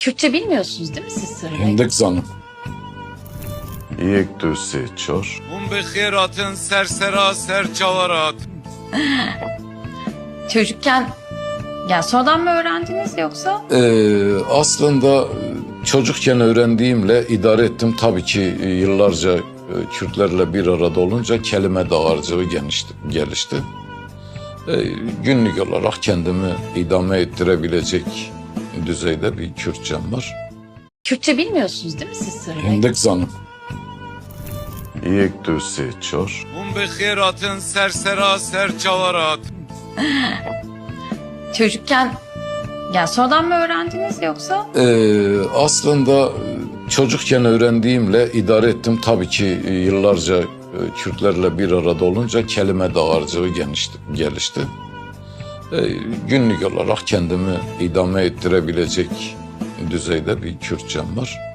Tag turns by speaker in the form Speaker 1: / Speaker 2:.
Speaker 1: Kürtçe bilmiyorsunuz değil mi siz Sırrı Bey?
Speaker 2: Hindik zanım.
Speaker 3: یک دو سه چهار
Speaker 4: Bun bir xeyratın sersera serçavarat.
Speaker 1: Çocukken yani sonradan mı öğrendiniz yoksa?
Speaker 2: Aslında çocukken öğrendiğimle idare ettim. Tabii ki yıllarca Kürtlerle bir arada olunca kelime dağarcığı gelişti. Günlük olarak kendimi idame ettirebilecek düzeyde bir Kürtçem var.
Speaker 1: Kürtçe bilmiyorsunuz değil mi siz Sırrı Bey?
Speaker 2: Hindik zanım.
Speaker 3: یک دو سه چهار
Speaker 4: Bun bir xeyratın sersera serçavarat.
Speaker 1: Çocukken yani sonradan mı öğrendiniz yoksa?
Speaker 2: Aslında çocukken öğrendiğimle idare ettim. Tabii ki yıllarca Kürtlerle bir arada olunca kelime dağarcığı gelişti. Günlük olarak kendimi idame ettirebilecek düzeyde bir Kürtçem var.